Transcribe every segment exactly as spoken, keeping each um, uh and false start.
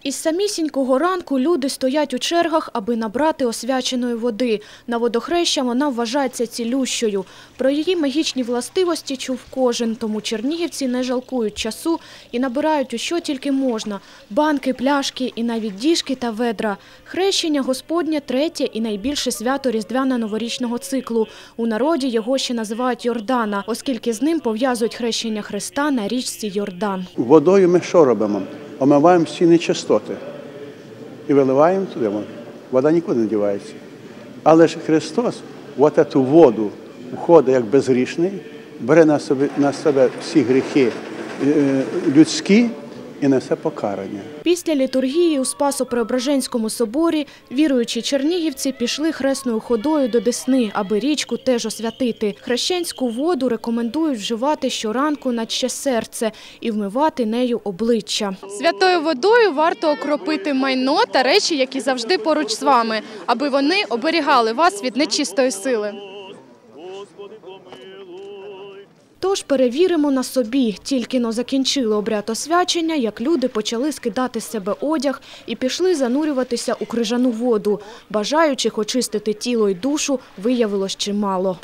Із самісінького ранку люди стоять у чергах, аби набрати освяченої води. На водохреща вона вважається цілющою. Про її магічні властивості чув кожен, тому чернігівці не жалкують часу і набирають у що тільки можна – банки, пляшки і навіть діжки та ведра. Хрещення Господнє – третє і найбільше свято різдвяно-новорічного циклу. У народі його ще називають Йордана, оскільки з ним пов'язують хрещення Христа на річці Йордан. Водою ми що робимо? Омиваємо всі нечистоти і виливаємо туди. Вода нікуди не дівається. Але ж Христос в цю воду входить як безгрішний, бере на себе, на себе всі гріхи людські і несе покарання. Після літургії у Спасо-Преображенському соборі віруючі чернігівці пішли хресною ходою до Десни, аби річку теж освятити. Хрещенську воду рекомендують вживати щоранку на чиє серце і вмивати нею обличчя. Святою водою варто окропити майно та речі, які завжди поруч з вами, аби вони оберігали вас від нечистої сили. Тож перевіримо на собі. Тільки-но закінчили обряд освячення, як люди почали скидати з себе одяг і пішли занурюватися у крижану воду. Бажаючих очистити тіло й душу виявилось чимало.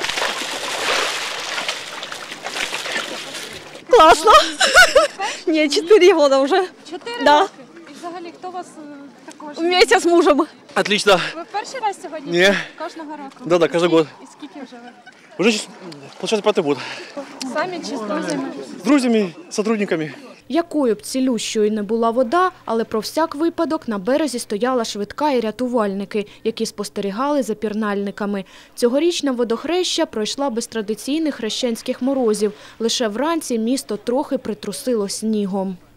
Класно! Ні, чотири роки вже. Чотири Да. роки? І взагалі, хто вас е, також? Вместе з мужем. Отлично. Ви перший раз сьогодні? Ні. Кожного року? Да, да, кожен год. І скільки вже ви? Уже, получается, пятый год. Самі чи з друзями? С друзьями, сотрудниками. Якою б цілющою не була вода, але про всяк випадок на березі стояла швидка і рятувальники, які спостерігали за пірнальниками. Цьогорічна водохреща пройшла без традиційних хрещенських морозів. Лише вранці місто трохи притрусило снігом.